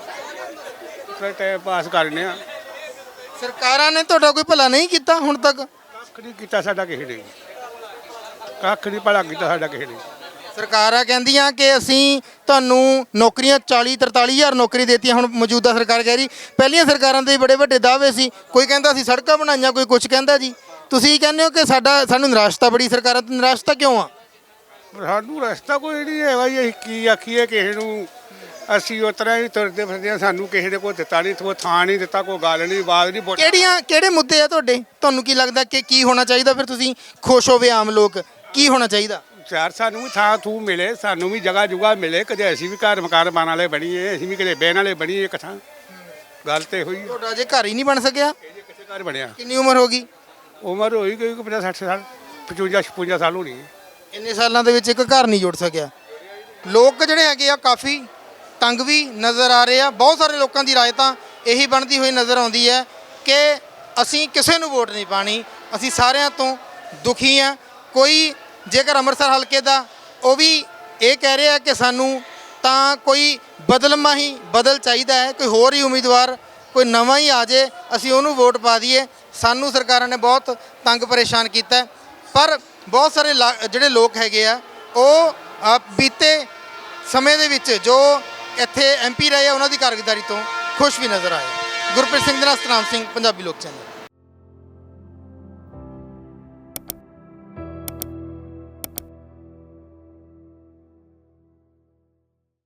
Speaker 14: ਫਿਰ ਟਾਈਮ ਪਾਸ ਕਰਨੇ ਆ।
Speaker 1: ਸਰਕਾਰਾਂ ਨੇ ਤੁਹਾਡਾ ਕੋਈ ਭਲਾ ਨਹੀਂ ਕੀਤਾ ਹੁਣ ਤੱਕ?
Speaker 14: ਕੱਖ ਨਹੀਂ ਕੀਤਾ ਸਾਡਾ ਕਿਸੇ ਨੇ, ਕੱਖ ਨਹੀਂ ਭਲਾ ਕੀਤਾ ਸਾਡਾ ਕਿਸੇ ਨੇ।
Speaker 1: ਸਰਕਾਰਾਂ ਕਹਿੰਦੀਆਂ ਕਿ ਅਸੀਂ ਤੁਹਾਨੂੰ ਨੌਕਰੀਆਂ 40-43 ਹਜ਼ਾਰ ਨੌਕਰੀ ਦੇਤੀਆਂ। ਹੁਣ ਮੌਜੂਦਾ ਸਰਕਾਰ ਕਹਿ ਰਹੀ, ਪਹਿਲੀਆਂ ਸਰਕਾਰਾਂ ਦੇ ਬੜੇ ਵੱਡੇ ਦਾਅਵੇ ਸੀ। ਕੋਈ ਕਹਿੰਦਾ ਅਸੀਂ ਸੜਕਾਂ ਬਣਾਈਆਂ, ਕੋਈ ਕੁਝ ਕਹਿੰਦਾ ਜੀ। ਤੁਸੀਂ ਕਹਿੰਦੇ ਹੋ ਕਿ ਸਾਨੂੰ ਨਿਰਾਸ਼ਤਾ ਬੜੀ ਸਰਕਾਰਾਂ ਤੋਂ। ਨਿਰਾਸ਼ਤਾ ਕਿਉਂ ਆ?
Speaker 14: ਸਾਨੂੰ ਰਸਤਾ ਕੋਈ ਨਹੀਂ ਹੈਗਾ ਜੀ। ਅਸੀਂ ਕੀ ਆਖੀਏ ਕਿਸੇ ਨੂੰ? ਅਸੀਂ ਉਸ ਤਰ੍ਹਾਂ ਹੀ ਤੁਰਦੇ ਫਿਰਦੇ ਹਾਂ। ਸਾਨੂੰ ਕਿਸੇ ਨੇ ਕੋਈ ਦਿੱਤਾ ਨਹੀਂ, ਕੋਈ ਥਾਂ ਨਹੀਂ ਦਿੱਤਾ, ਕੋਈ ਗੱਲ ਨਹੀਂ, ਬਾਤ ਨਹੀਂ।
Speaker 1: ਕਿਹੜੇ ਮੁੱਦੇ ਆ ਤੁਹਾਡੇ? ਤੁਹਾਨੂੰ ਕੀ ਲੱਗਦਾ ਕਿ ਕੀ ਹੋਣਾ ਚਾਹੀਦਾ? ਫਿਰ ਤੁਸੀਂ ਖੁਸ਼ ਹੋਵੇ ਆਮ ਲੋਕ, ਕੀ ਹੋਣਾ ਚਾਹੀਦਾ?
Speaker 14: ਯਾਰ ਸਾਨੂੰ ਵੀ ਥਾਂ ਥੂ ਮਿਲੇ, ਸਾਨੂੰ ਵੀ ਜਗ੍ਹਾ ਜੁਗਾ ਮਿਲੇ। ਕਦੇ ਅਸੀਂ ਵੀ ਘਰ ਮਕਾਨ ਬਣਾਉਣ ਵਾਲੇ ਬਣੀਏ, ਅਸੀਂ ਵੀ ਕਦੇ ਬਹਿਣ ਵਾਲੇ ਬਣੀਏ ਇੱਕ ਥਾਂ। ਗੱਲ ਤੇ ਹੋਈ।
Speaker 1: ਤੁਹਾਡਾ ਅਜੇ ਘਰ ਹੀ ਨਹੀਂ ਬਣ ਸਕਿਆ?
Speaker 14: ਕਿਸੇ ਘਰ ਬਣਿਆ।
Speaker 1: ਕਿੰਨੀ ਉਮਰ ਹੋ ਗਈ?
Speaker 14: ਉਮਰ ਹੋਈ ਗਈ 50-60 ਸਾਲ, 55-56 ਸਾਲ ਹੋਣੀ ਹੈ।
Speaker 1: ਇੰਨੇ ਸਾਲਾਂ ਦੇ ਵਿੱਚ ਇੱਕ ਘਰ ਨਹੀਂ ਜੁੜ ਸਕਿਆ। ਲੋਕ ਜਿਹੜੇ ਹੈਗੇ ਆ ਕਾਫੀ ਤੰਗ ਵੀ ਨਜ਼ਰ ਆ ਰਹੇ ਆ। ਬਹੁਤ ਸਾਰੇ ਲੋਕਾਂ ਦੀ ਰਾਏ ਤਾਂ ਇਹੀ ਬਣਦੀ ਹੋਈ ਨਜ਼ਰ ਆਉਂਦੀ ਹੈ ਕਿ ਅਸੀਂ ਕਿਸੇ ਨੂੰ ਵੋਟ ਨਹੀਂ ਪਾਣੀ, ਅਸੀਂ ਸਾਰਿਆਂ ਤੋਂ ਦੁਖੀ ਆ। ਕੋਈ ਜੇਕਰ ਅੰਮ੍ਰਿਤਸਰ ਹਲਕੇ ਦਾ ਉਹ ਵੀ ਇਹ ਕਹਿ ਰਿਹਾ ਕਿ ਸਾਨੂੰ ਤਾਂ ਕੋਈ ਬਦਲਮਾ ਹੀ ਬਦਲ ਚਾਹੀਦਾ ਹੈ, ਕੋਈ ਹੋਰ ਹੀ ਉਮੀਦਵਾਰ ਕੋਈ ਨਵਾਂ ਹੀ ਆ ਜੇ, ਅਸੀਂ ਉਹਨੂੰ ਵੋਟ ਪਾ ਦਈਏ। ਸਾਨੂੰ ਸਰਕਾਰਾਂ ਨੇ ਬਹੁਤ ਤੰਗ ਪਰੇਸ਼ਾਨ ਕੀਤਾ। ਪਰ ਬਹੁਤ ਸਾਰੇ ਜਿਹੜੇ ਲੋਕ ਹੈਗੇ ਆ ਉਹ ਬੀਤੇ ਸਮੇਂ ਦੇ ਵਿੱਚ ਜੋ ਇੱਥੇ MP ਰਹੇ ਆ ਉਹਨਾਂ ਦੀ ਕਾਰਗੁਜ਼ਾਰੀ ਤੋਂ ਖੁਸ਼ ਵੀ ਨਜ਼ਰ ਆਏ। ਗੁਰਪ੍ਰੀਤ ਸਿੰਘ ਦੇ ਨਾਲ ਸਤਨਾਮ ਸਿੰਘ, ਪੰਜਾਬੀ ਲੋਕ ਚੈਨਲ।